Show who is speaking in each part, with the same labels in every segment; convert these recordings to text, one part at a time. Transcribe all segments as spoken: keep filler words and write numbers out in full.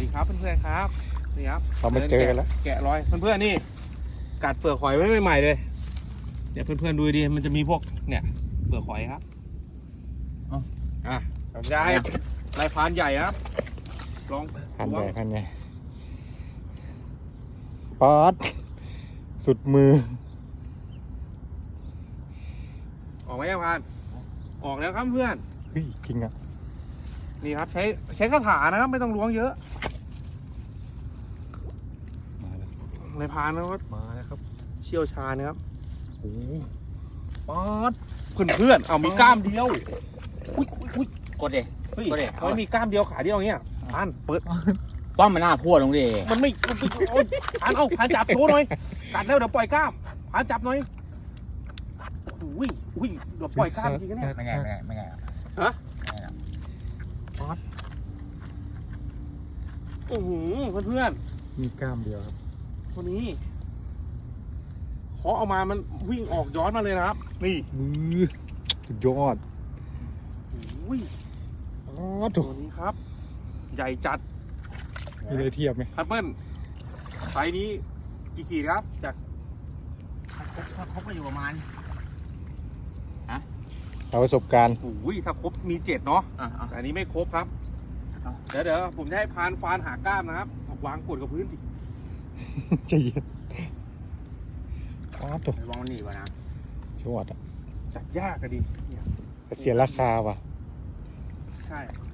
Speaker 1: ดีครับเพื่อนๆครับนี่ครับ
Speaker 2: เราไม่เจอกันแล้ว
Speaker 1: แกะรอยเพื่อนๆนี่กัดเปลือกหอยไว้ใหม่ๆเลยเดี๋ยวเพื่อนๆดูดีมันจะมีพวกเนี่ยเปลือกหอยครับอ่ะผมจะให้ลายพรานใหญ่ครับลอง
Speaker 2: พันใหญ่พันใหญ่ป๊อดสุดมือ
Speaker 1: ออกไหมยังพรานออกแล้วครับเพื่อน
Speaker 2: เฮ้ยจริงอ่ะ
Speaker 1: นี่ครับใช้ใช้คาถานะครับไม่ต้องล้วงเยอะ
Speaker 2: มาแล้ว
Speaker 1: ลายพรานนะครับ
Speaker 2: มาแล้วครับ
Speaker 1: เชี่ยวชาญนะครับ
Speaker 2: โอ้
Speaker 1: ป๊อดเพื่อนๆเอามีกล้ามเดียวอุ้ยอุ้ย
Speaker 3: กดเด็
Speaker 1: เฮ้ย
Speaker 3: ก็ได้
Speaker 1: ทำไมมีกล้ามเดียวขาเดียวอย่างเงี้ยพรานเปิด
Speaker 3: ป้อมมันหน้าพัวลงดิ
Speaker 1: มันไม่มันไม่โอ๊ยพรานเอาพรานจับโชว์หน่อยกัดแล้วเดี๋ยวปล่อยกล้ามพรานจับหน่อยอุ้ยอุ้ยเดี๋ยวปล่อยกล้ามจริงนะเนี่ย
Speaker 3: ไม่ไงไม่ไงไม่ไง
Speaker 1: ฮะโอ้โหเพื่อน
Speaker 2: มีกล้ามเดียวครับ
Speaker 1: ๆตัวนี้เคาะออกมามันวิ่งออกย้อนมาเลยนะครับนี่
Speaker 2: มือสุดยอด
Speaker 1: อุ้ย
Speaker 2: อ๋อ
Speaker 1: ตั
Speaker 2: ถู
Speaker 1: วนี้ครับ ใหญ่จัด
Speaker 2: มีอะไรเทียบไหม
Speaker 1: พัดเปิ้ลไซส์นี้กี่ขีดครับจาก
Speaker 3: ถ้าครบก็อยู่ประมาณ
Speaker 2: เอาประสบการณ์
Speaker 1: อุ้ยถ้าครบมีเจ็ดเนาะ
Speaker 3: อ่ะอ่ะ
Speaker 1: แต่อันนี้ไม่ครบครับ
Speaker 3: เอา
Speaker 1: เดี๋ยวเดี๋ยวผมจะให้พานฟานหากล้ามนะครับเอาวางกดกับพื้นสิ
Speaker 2: ใจเย็นอ๋อถูก
Speaker 3: ระวังมันหนีวะนะ
Speaker 2: ยอดอ่ะ
Speaker 1: จับยากอะดิเนี่ย
Speaker 2: แต่เสียราคาว่ะ
Speaker 1: ใช่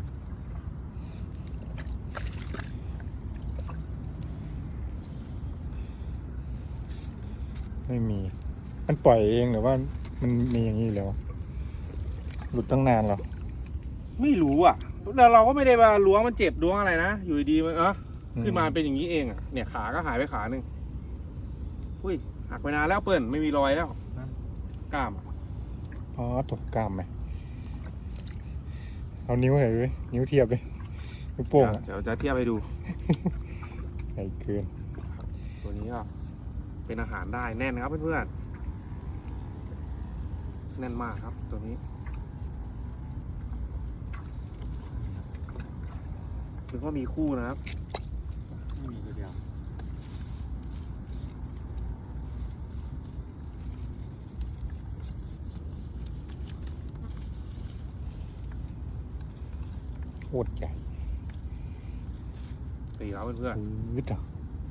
Speaker 2: ไม่มี มันปล่อยเองหรือว่ามันมีอย่างนี้อยู่แล้วหลุดตั้งนานแล้ว
Speaker 1: ไม่รู้อ่ะแต่เราก็ไม่ได้ว่าล้วงมันเจ็บล้วงอะไรนะอยู่ดีๆมันเออขึ้นมาเป็นอย่างนี้เองอ่ะเนี่ยขาก็หายไปขาหนึ่งอุ้ยหักไปนานแล้วเปิ้ลไม่มีรอยแล้วกล้ามอะ
Speaker 2: อ๋อถูกกล้ามไหมเอานิ้วเหรอเว้ยนิ้วเทียบเลยนิ้วโป้งอ่ะ
Speaker 1: เดี๋ยวจะเทียบให้ดู
Speaker 2: ใหญ่เกิน
Speaker 1: ตัวนี้ก็เป็นอาหารได้แน่นนะครับเพื่อนๆแน่นมากครับตัวนี้ถึงว่ามีคู่นะครับ
Speaker 3: มีตัวเดียว
Speaker 2: โคตรใหญ่
Speaker 1: ตีครับเพื่อน
Speaker 2: วิดอ่ะ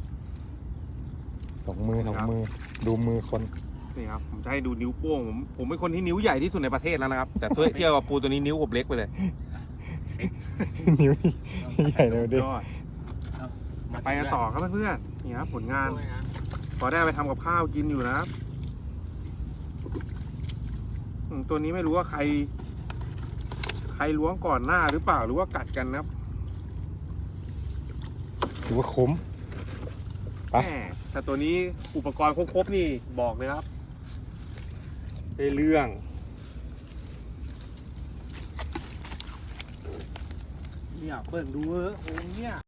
Speaker 2: สองมือสองมือ ดูมือคน
Speaker 1: ๆนี่ครับผมจะให้ดูนิ้วโป้งผมผมเป็นคนที่นิ้วใหญ่ที่สุดในประเทศแล้วนะครับ แต่เทียบกับปูตัวนี้นิ้วผมเล็กไปเลย
Speaker 2: นิ้วนี่ใหญ่เลยดิ
Speaker 1: ยอดไปกันต่อครับเพื่อนๆนี่ครับผลงาน พอได้ไปทำกับข้าวกินอยู่นะครับอืมตัวนี้ไม่รู้ว่าใคร ใครล้วงก่อนหน้าหรือเปล่าหรือว่ากัดกันนะครับ
Speaker 2: ถือว่าคุ้ม ไป
Speaker 1: แหมแต่ตัวนี้อุปกรณ์ครบๆนี่บอกเลยครับได้เรื่องเนี่ยเปิดดูเออโอ้เนี่ย